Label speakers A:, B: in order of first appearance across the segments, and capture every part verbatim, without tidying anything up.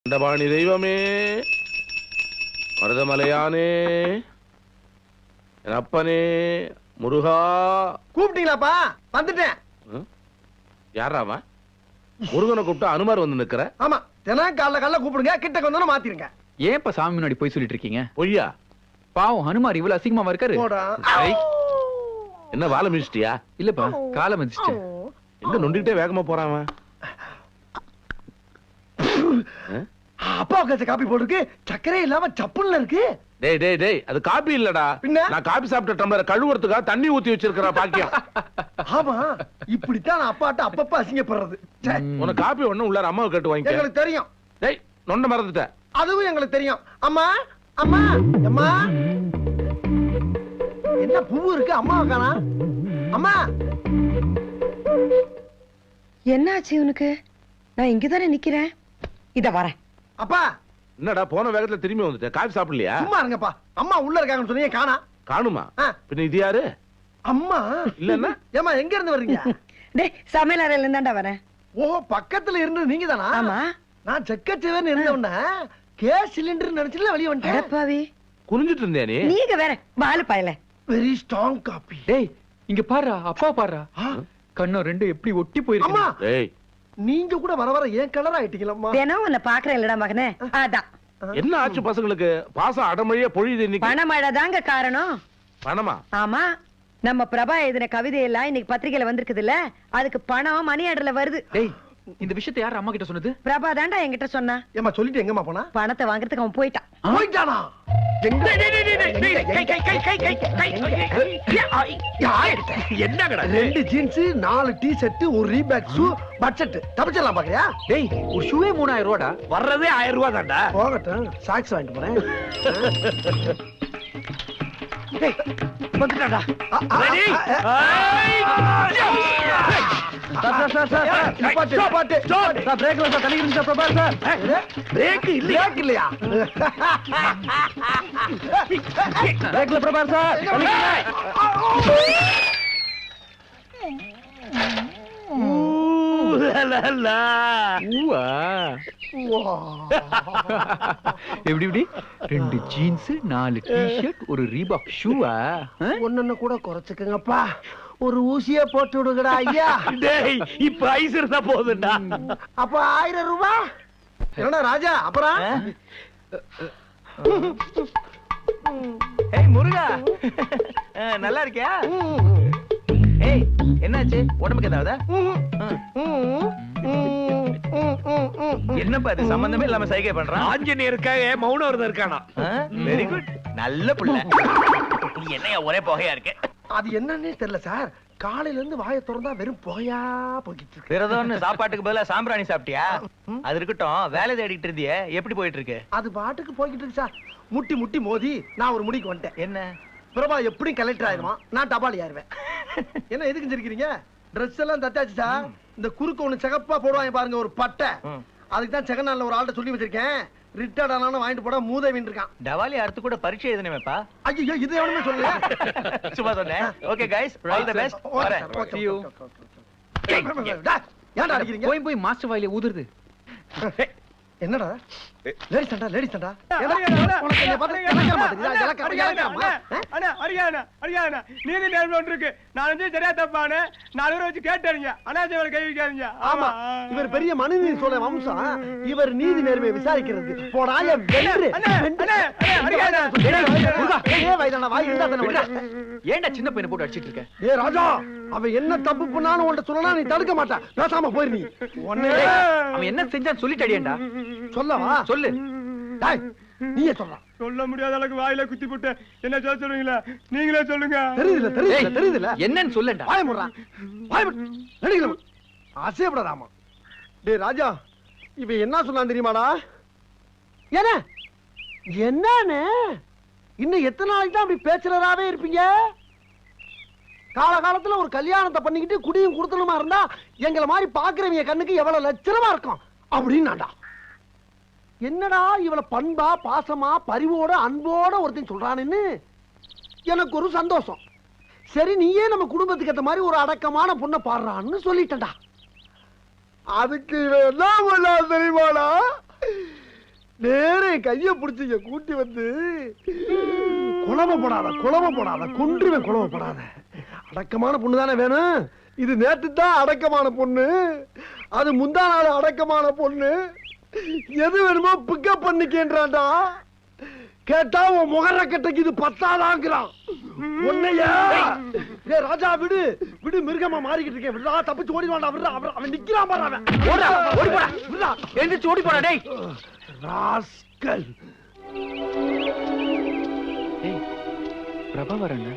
A: தண்டபாணி தெய்வமே, மருதமலையானே, என் அப்பனே, முருகா.
B: கூப்பிட்டீங்களாப்பா? வந்துட்டேன்.
A: யாராவா? முருகனை கூப்பிட்டு அனுமார் வந்து நிக்கிற?
B: ஆமா, தினம் காலைல காலைல கூப்பிடுங்க, கிட்ட கொஞ்சம் மாத்திருங்க.
C: ஏன் இப்ப சாமி முன்னாடி போய் சொல்லிட்டு இருக்கீங்க?
A: பொய்யா?
C: பாவம் ஹனுமார் இவ்வளவு அசிங்கமா இருக்காரு.
A: என்ன வாழை மிதிச்சிட்டியா?
C: இல்லப்பா, காலை மிதிச்சிட்டேன்.
A: எங்க நொண்டிக்கிட்டே வேகமா போறான்?
B: அப்பா கச்ச காப்பி போட்டுருக்கு, சக்கரே இல்லாம சப்புல்ல இருக்கு.
A: டேய் டேய் டேய், அது காபி இல்லடா.
B: பின்ன?
A: நான் காபி சாப்பிட்ட டம்ளரை கழுவுறதுக்காக தண்ணி ஊத்தி வச்சிருக்கிற பாக்கியம்.
B: ஆமா, இப்படித்தான் நான் அப்பாட்ட அப்பப்ப அசிங்கப்படுறது.
A: உனக்கு காபி ஒண்ணு உள்ளார அம்மாவை கேட்டு வாங்கிக்க.
B: எங்களுக்கு தெரியும்.
A: டேய், நொண்ட மறந்துட்ட.
B: அதுவும் எங்களுக்கு தெரியும். அம்மா அம்மா அம்மா, என்ன பூ இருக்கு அம்மா காணா? அம்மா,
D: என்னாச்சு உனக்கு? நான் இங்கதானே நிக்கிறேன். இத வரேன்.
B: அப்பா.
A: என்னடா போன வேகத்துல திரும்பி வந்துட்ட? காபி சாப்பிடலையா?
B: சும்மா இருங்கப்பா. அம்மா உள்ள இருக்காங்கன்னு சொன்னீங்க, காணா.
A: காணுமா? பின்ன இது யாரு?
B: அம்மா
A: இல்லன்னா?
B: ஏமா எங்க இருந்து வர்றீங்க?
D: டேய், சமையல் அறையில இருந்தாண்டா வரேன்.
B: ஓ, பக்கத்துல இருந்து நீங்க தானா?
D: ஆமா.
B: நான் செக்கச்சேவன் இருந்தவன கேஸ் சிலிண்டர் நினைச்சுல வெளிய வந்துட்டேன்.
D: அடப்பாவி,
A: குனிஞ்சிட்டு இருந்தே நீ?
D: நீங்க வேற பாலு பாயல.
B: Very strong coffee.
C: டேய், இங்க பாருடா, அப்பா பாருடா. கண்ணு ரெண்டு எப்படி ஒட்டி போயிருக்கு.
B: அம்மா,
A: டேய்,
B: நீங்க கூட வர வர ஏன் கலர் ஆயிட்டீங்களம்மா?
D: தினம் உன்னை பாக்குறேன் இல்லடா மகனே. அதான்.
A: என்ன ஆச்சு பசங்களுக்கு? பாசம் அடமழியா பொழியுது இன்னைக்கு.
D: பணமழை தாங்க காரணம்.
A: பணமா?
D: ஆமா, நம்ம பிரபா எழுதின கவிதை எல்லாம் இன்னைக்கு பத்திரிகையில வந்திருக்குதுல்ல, அதுக்கு பணம் மணி ஆர்டர்ல வருது.
C: டேய், இந்த விஷயத்தை யார் அம்மா கிட்ட சொன்னது?
D: பிரபா தாண்டா என்கிட்ட சொன்னா.
B: ஏமா சொல்லிட்டு எங்கம்மா போனா?
D: பணத்தை வாங்குறதுக்கு அவன் போயிட்டான்.
B: போயிட்டானா?
A: என்னங்கடா?
B: ரெண்டு ஜீன்ஸ், நாலு டி ஷர்ட், ஒரு ரீபேக் ஷூ, பட்ஜெட் தப்பிச்சிடலாம் பாக்குறியா?
C: டேய், ஒரு ஷூவே மூணாயிரம் ரூபாடா.
A: வர்றதே ஆயிரம் ரூபாய் தான்டா.
B: போகட்டும், சாக்ஸ் வாங்கிட்டு போறேன். வந்துட்டாடா. சார் சார் சார் சார், நிப்பாட்டு நிப்பாட்டு. சார் பிரேக்ல சார் தண்ணி இருந்துச்சு பிரபா சார். பிரேக் இல்ல, பிரேக் இல்லையா? பிரேக்ல பிரபா சார்.
C: எப்படி எப்படி? ரெண்டு ஜீன்ஸ், நாலு டி-ஷர்ட், ஒரு ரீபாக் ஷூவா?
B: ஒன்னு கூட குறைச்சுக்கங்கப்பா. ஒரு ஊசியே போட்டு விடுங்கடா ஐயா.
A: டேய், இப்ப ஐஸ் இருந்தா போதும்டா.
B: அப்ப ஆயிரம் ரூபாய். என்னடா ராஜா, அப்புறம்?
E: ஏய் முருகா, நல்லா இருக்கியா? ஏய், என்னாச்சு? உடம்புக்கு ஏதாவது? என்னப்பா இது சம்பந்தமே இல்லாம சைகை பண்றான்?
A: ஆஞ்சநேயருக்காக மௌன விரதம் இருக்கானா?
E: வெரி குட், நல்ல புள்ள. நீ என்னையா ஒரே புகையா இருக்கு?
B: அது என்னன்னே தெரியல சார். காலையில இருந்து வாயை திறந்தா வெறும் புகையா போய்கிட்டு இருக்கு.
E: விரதம்னு சாப்பாட்டுக்கு பதிலா சாம்பிராணி சாப்பிட்டியா? அது இருக்கட்டும், வேலை தேடிட்டு இருந்தியே, எப்படி போயிட்டு இருக்கு?
B: அது பாட்டுக்கு போய்கிட்டு இருக்கு சார். முட்டி முட்டி மோதி நான் ஒரு முடிக்கு வந்துட்டேன்.
E: என்ன?
B: பிரபா எப்படி கலெக்டர் ஆயிருவான், நான் டபாலி ஆயிருவேன். என்ன எதுக்கு சிரிக்கிறீங்க? ட்ரெஸ் எல்லாம் தச்சாச்சு சார். இந்த குறுக்கு ஒண்ணு சிகப்பா போடுவாங்க பாருங்க, ஒரு பட்டை. அதுக்கு தான் செகநாள்ல ஒரு ஆள்கிட்ட சொல்லி வச்சிருக்கேன். ரிட்டையர்ட் ஆனாலும் வாங்கிட்டு போட மூதேவின் இருக்கான்.
E: டவாலி அறுத்து கூட பரீட்சை எழுதணுமேப்பா.
B: ஐயோ, இது எவனுமே சொல்லல.
E: சும்மா சொன்னேன். Okay guys, all the best. வரேன்.
C: See you.
B: ஏன்டா அடிக்கிறீங்க?
C: போய் போய் மாஸ்டர் வாயில ஊதுறது.
B: என்னடா லேடிஸ் சண்டா, லேடிஸ் சண்டா. உனக்கு என்ன பார்த்து இலக்கணம் மாட்டேங்குதா? இலக்கணம் இலக்கணமா?
F: அண்ணா அரியானா அரியானா நீங்க நேர்மை ஒன்று இருக்கு. நான் வந்து சரியா தப்பானே நாலு பேரை வச்சு கேட்டாருங்க. அனாஜவரை கை வைக்காதீங்க.
B: ஆமா, இவர் பெரிய மனுநீதி சோழ வம்சம். இவர் நீதி நேர்மையை விசாரிக்கிறது. போடாய வென்று.
C: ஏன்டா சின்ன பையனை போட்டு அடிச்சிட்டு இருக்க?
B: ஏ ராஜா, அவன் என்ன தப்பு பண்ணாலும் உன்கிட்ட சொல்லலாம், நீ தடுக்க மாட்டா. பேசாம போயிரு நீ.
C: அவன் என்ன செஞ்சான்னு சொல்லிட்டு அடியேன்டா.
B: சொல்லவா?
C: சொல்லு.
B: டேய், நீயே சொல்றா.
F: சொல்ல முடியாத அளவுக்கு வாயில குத்தி போட்டு என்ன சொல்ல சொல்லுவீங்களா? நீங்களே சொல்லுங்க.
B: தெரியுதுல தெரியுதுல தெரியுதுல
C: என்னன்னு சொல்லண்டா.
B: வாய முறா, வாய நடிக்கலாம். ஆசைப்படாதாமா. டேய் ராஜா, இவன் என்ன சொன்னான் தெரியுமாடா? என்ன என்னன்னு இன்னும் எத்தனை நாளைக்கு தான் அப்படி பேச்சுலராவே இருப்பீங்க? காலகாலத்துல ஒரு கல்யாணத்தை பண்ணிக்கிட்டு குடியும் குடுத்தனமா இருந்தா எங்களை மாதிரி பாக்குறவங்க கண்ணுக்கு எவ்வளவு லட்சணமா இருக்கும் அப்படின்னாடா. என்னடா இவள பண்பா பாசமா பரிவோட அன்போட ஒருத்தன் சொல்றான்னு எனக்கு ஒரு சந்தோஷம். சரி, நீயே நம்ம குடும்பத்துக்கு ஏத்த மாதிரி ஒரு அடக்கமான பொண்ணை பாடுறான்னு சொல்லிட்டா. அதுக்கு என்ன தெரியுமாடா? நேரே கைய பிடிச்சிங்க கூட்டி வந்து குழம்ப போடாத குழம்ப போடாத கொன்றுவேன் குழம்ப போடாத. அடக்கமான பொண்ணு தானே வேணும். இது நேற்று தான் அடக்கமான பொண்ணு, அது முந்தா நாள் அடக்கமான பொண்ணு. எது வேணுமோ பிக்கப் பண்ணிக்கேன்றான்டா. கேட்டா உன் முகர கட்டைக்கு இது பத்தாதாங்கிறான். உன்னையா ஏ ராஜா விடு விடு, மிருகமா மாறிக்கிட்டு இருக்கேன். விடுடா, தப்பிச்சு ஓடி வாடா. விடுடா, அவன் அவன் நிக்கிறான் பாரு. அவன்
E: ஓடா, ஓடி போடா.
B: விடுடா,
E: எந்திரிச்சு ஓடி போடா டேய்.
B: ராஸ்கல்.
C: ஏய் பிரபா வரங்க.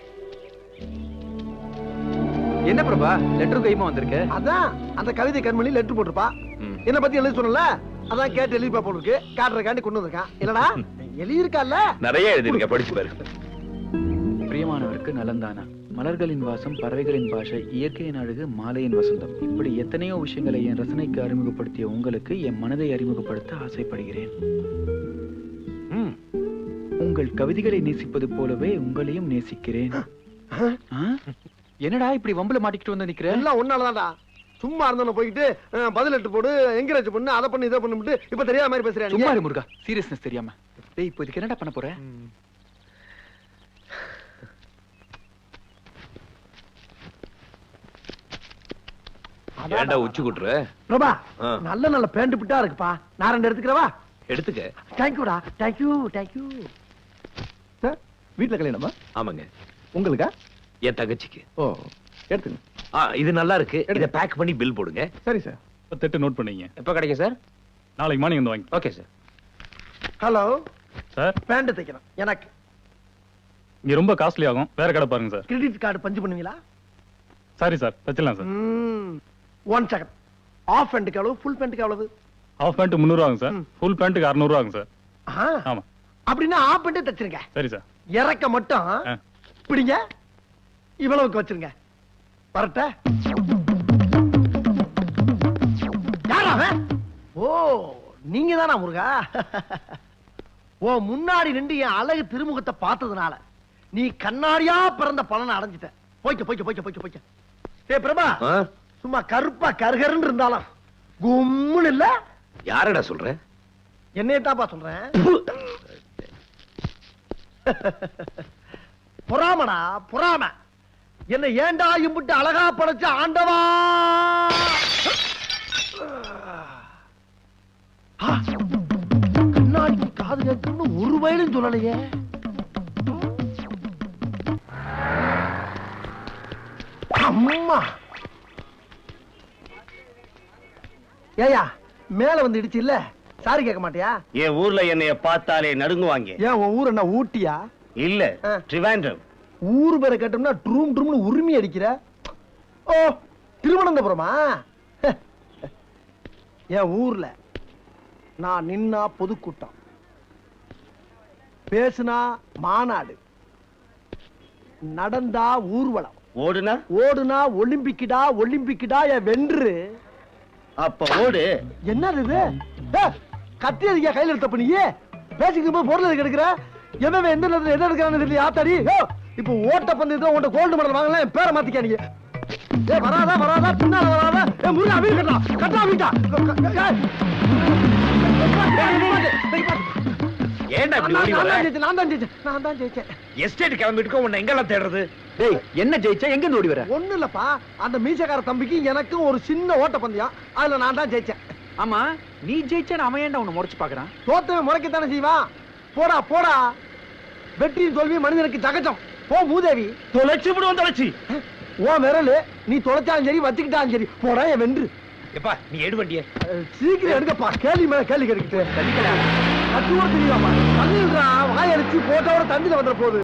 C: என்ன பிரபா லெட்டர் கைமா வந்திருக்க?
B: அதான் அந்த கவிதை கண்மணி லெட்டர் போட்டிருப்பா.
A: ம்.
B: என்ன பத்தி எழுதி சொன்னல, அதான் கேட்டு எழுதி போட்டுருக்கு. காட்டுறக்காண்டி கொண்டு வந்திருக்கான். இல்லடா எழுதி இருக்கல்ல,
A: நிறைய எழுதிருக்க, படிச்சு பாரு.
C: பிரியமானவருக்கு நலந்தானா, மலர்களின் வாசம், பறவைகளின் பாஷை, இயற்கையின் அழகு, மாலையின் வசந்தம், இப்படி எத்தனையோ விஷயங்களை என் ரசனைக்கு அறிமுகப்படுத்திய உங்களுக்கு என் மனதை அறிமுகப்படுத்த ஆசைப்படுகிறேன்.
A: ம்.
C: உங்கள் கவிதைகளை நேசிப்பது போலவே உங்களையும் நேசிக்கிறேன். ஆ? என்னடா இப்படி வம்புல மாட்டிக்கிட்டு வந்து நிக்கிற?
B: எல்லாம் ஒன்னாலதான்டா. சும்மா இருந்தவன போயிட்டு அஹ், பதில் எட்டு போடு, என்கரேஜ் பண்ணு, அதை பண்ணு, இதை பண்ணு, இப்ப தெரியாத மாதிரி பேசுறேன்.
C: சும்மா இரு முருகா, சீரியஸ்னஸ் தெரியாம. டேய் இப்போ இதுக்கு என்னடா பண்ண போற?
A: ஏன்டா உச்சி குட்டுற?
B: பிரபா,
A: ஆ.
B: நல்ல நல்ல பேண்ட் பிட்டா இருக்குப்பா. நான் ரெண்டு எடுத்துக்கிறவா?
A: எடுத்துக்க.
B: தேங்க்யூடா, தேங்க்யூ தேங்க்யூ. சார் வீட்டுல கல்யாணமா?
A: ஆமாங்க.
B: உங்களுக்கா?
A: என் தங்கச்சிக்கு.
B: ஓ எடுத்துங்க.
A: ஆ, இது நல்லா இருக்கு. இத பேக் பண்ணி பில் போடுங்க.
B: சரி சார்.
G: பத்தெட்டு நோட் பண்ணீங்க.
A: எப்ப கிடைக்கும் சார்?
G: நாளைக்கு மார்னிங் வந்து வாங்கி.
A: Okay sir.
B: Hello
G: sir
B: pant தைக்கணும் எனக்கு.
G: இங்க ரொம்ப காஸ்ட்லி ஆகும், வேற கடை பாருங்க சார்.
B: கிரெடிட் கார்டு பஞ்சு பண்ணுவீங்களா?
G: சாரி சார், வச்சிடலாம் சார்.
B: One second. ஆஃப் பேண்ட்டுக்கு எவ்வளவு, ஃபுல் பேண்ட்டுக்கு எவ்வளவு?
G: ஹாஃப் பேண்ட் முந்நூறு ஆகும் சார், ஃபுல் பேண்ட்டுக்கு அறுநூறு ஆகும் சார்.
B: ஆ,
G: ஆமா.
B: அப்படின்னா ஆஃப் பேண்ட்டே தச்சிருங்க.
G: சரி சார்.
B: இறக்க மட்டும்
G: ஆ.
B: பிடிங்க, இவ்வளவுக்கு வச்சிருங்க. வரட்ட. யாரா அவன்? ஓ நீங்க தானா முருகா? ஓ முன்னாடி நின்று என் அழகு திருமுகத்தை பார்த்ததுனால நீ கண்ணாடியா பிறந்த பலனை அடைஞ்சிட்ட. போய்க்க போய்க்க போய்க்க போய்க்க போய்க்க. ஏ பிரபா,
A: ஆ?
B: சும்மா கருப்பா கருகருன்னு இருந்தாலும் கும்முன்னு இல்ல.
A: யாரடா சொல்ற?
B: என்னையத்தாப்பா சொல்றேன். பொறாமடா பொறாம. என்ன ஏண்டா இம்புட்டு அழகா படைச்ச ஆண்டவா. ஆ, கண்ணாடிக்கு காது கேட்கணும்னு ஒரு வயலும் சொல்லலையே. அம்மா ஏயா மேல வந்து இடிச்சு இல்ல, சாரி கேட்க மாட்டியா?
F: என் ஊர்ல என்னைய பார்த்தாலே நடுங்குவாங்க.
B: ஏன் உன் ஊர் என்ன ஊட்டியா?
F: இல்ல,
B: ஆ.
F: ட்ரிவாண்ட்ரம்.
B: ஊர் பேரை கேட்டோம்னா ட்ரூம் ட்ரூம்னு உரிமை அடிக்கிற. ஓ திருவனந்தபுரமா? என் ஊர்ல நான் நின்னா பொதுக்கூட்டம், பேசுனா மாநாடு, நடந்தா ஊர்வலம்,
F: ஓடுனா
B: ஓடுனா ஒலிம்பிக்கிடா ஒலிம்பிக்கிடா என் வென்று.
F: அப்ப ஓடு.
B: என்னது இது? ஏ, கத்தி அதிகா கையில எடுத்த பண்ணியே பேசிக்கும் போது பொருள் எதுக்கு எடுக்கிற? எவன் எந்த நேரத்துல என்ன எடுக்கிறான்னு தெரியல. ஆத்தாடி, இப்போ ஓட்ட பந்தயத்துல உன்ட கோல்டு மெடல் வாங்கலாம், என் பேரை மாத்திக்க நீங்க. ஏ வராதா வராதா பின்னால வராதா? ஏ முருகா வீடு கட்டா கட்டா வீட்டா.
A: ஏன்டா இப்படி ஓடி
B: நான்
A: வர?
B: தான் ஜெயிச்சேன், நான் தான் ஜெயிச்சேன், நான் தான் ஜெயிச்சேன்.
A: எஸ்டேட் கிளம்பிட்டு உன்னை எங்கெல்லாம் தேடுறது?
C: டேய் என்ன ஜெயிச்சா எங்க இருந்து ஓடி வர?
B: ஒண்ணு இல்லப்பா, அந்த மீசக்கார தம்பிக்கு எனக்கும் ஒரு சின்ன ஓட்ட பந்தயம், அதுல நான் தான் ஜெயிச்சேன்.
C: ஆமா நீ ஜெயிச்சா அவன் ஏன்டா உன்னை முறைச்சு பாக்குறான்?
B: தோத்தவன் முறைக்கத்தானே செய்வான். போடா போடா, வெற்றியும் தோல்வி மனிதனுக்கு சகஜம். போ மூதேவி.
F: தொலைச்சு விடுவோம் தொலைச்சு.
B: ஓ விரலு நீ தொலைச்சாலும் சரி வச்சுக்கிட்டாலும் சரி, போடா என் வென்று.
A: எப்பா நீ எடு வண்டிய.
B: அஹ், சீக்கிரம் எடுக்கப்பா, கேள்வி மேல கேள்வி கேட்டுக்கிட்டு கத்து கூட தெரியாமா? தண்ணிடுறா, வாயடிச்சு போட்டோட தண்ணியில வந்துட போகுது.